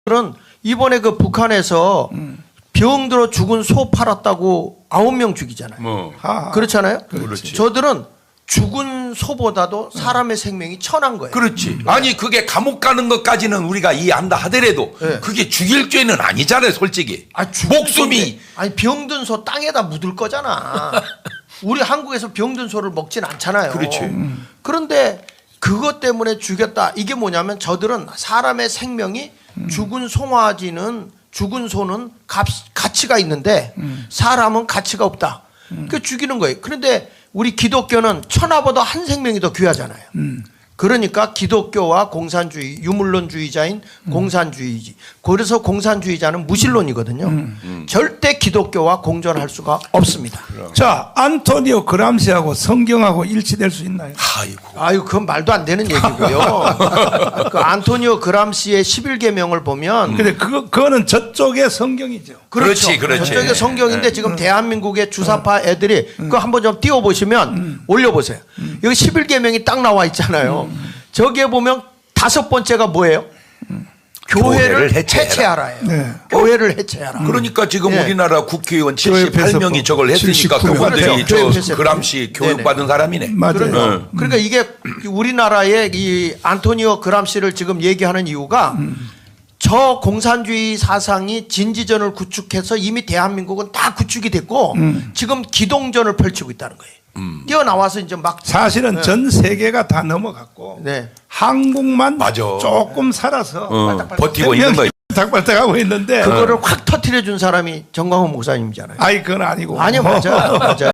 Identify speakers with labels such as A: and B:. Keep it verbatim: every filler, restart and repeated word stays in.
A: 그런 이번에 그 북한에서
B: 음.
A: 병들어 죽은 소 팔았다고 아홉 명 죽이잖아요.
C: 뭐
B: 아,
A: 그렇잖아요.
C: 그렇지.
A: 저들은 죽은 소보다도 사람의 생명이 천한 거예요.
C: 그렇지. 아니 그게 감옥 가는 것까지는 우리가 이해한다 하더라도
A: 네.
C: 그게 죽일 죄는 아니잖아요, 솔직히.
A: 아, 죽은
C: 목숨이
A: 소인데, 아니 병든 소 땅에다 묻을 거잖아. 우리 한국에서 병든 소를 먹진 않잖아요.
C: 그렇지.
A: 음. 그런데 그것 때문에 죽였다. 이게 뭐냐면 저들은 사람의 생명이 죽은 송아지는 죽은 소는 값, 가치가 있는데 사람은 가치가 없다. 그 죽이는 거예요. 그런데 우리 기독교는 천하보다 한 생명이 더 귀하잖아요. 그러니까 기독교와 공산주의, 유물론주의자인 공산주의지. 그래서 공산주의자는 무신론이거든요.
B: 음.
A: 절대 기독교와 공존할 수가 없습니다.
B: 자, 안토니오 그람시하고 성경하고 일치될 수 있나요?
C: 아이고.
A: 아유, 그건 말도 안 되는 얘기고요. 그 안토니오 그람시의 십일 계명을 보면
B: 근데 그거 그거는 저쪽의 성경이죠.
A: 그렇죠.
C: 그렇지, 그렇지.
A: 저쪽에 성경인데
C: 네.
A: 지금 대한민국의 주사파 애들이 그거 한번 좀 띄워보시면 올려보세요. 여기 십일 계명이 딱 나와 있잖아요. 저기에 보면 다섯 번째가 뭐예요? 교회를,
C: 교회를 해체해라.
A: 해체하라예요.
B: 네.
A: 교회를 해체하라.
C: 그러니까 지금
A: 네.
C: 우리나라 국회의원
B: 교회
C: 칠십팔 명이
B: 폐쇄법.
C: 저걸 했으니까
B: 칠십구 명.
C: 그분들이
A: 그렇죠. 교회
C: 저
A: 폐쇄법.
C: 그람시 교육받은 사람이네.
B: 맞아요.
A: 그러니까,
C: 응.
A: 그러니까 이게 우리나라의 이 안토니오 그람시를 지금 얘기하는 이유가 저 공산주의 사상이 진지전을 구축해서 이미 대한민국은 다 구축이 됐고 지금 기동전을 펼치고 있다는 거예요. 뛰어나와서 이제 막
B: 사실은
A: 네.
B: 전 세계가 다 넘어갔고
A: 네.
B: 한국만
C: 맞아.
B: 조금 살아서
C: 어, 버티고 있는 거예요.
B: 닥발닥하고 있는데
A: 그거를 확 터트려 준 사람이 정광훈 목사님이잖아요.
B: 아이 그건 아니고
A: 아니요, 맞아요. 맞아요.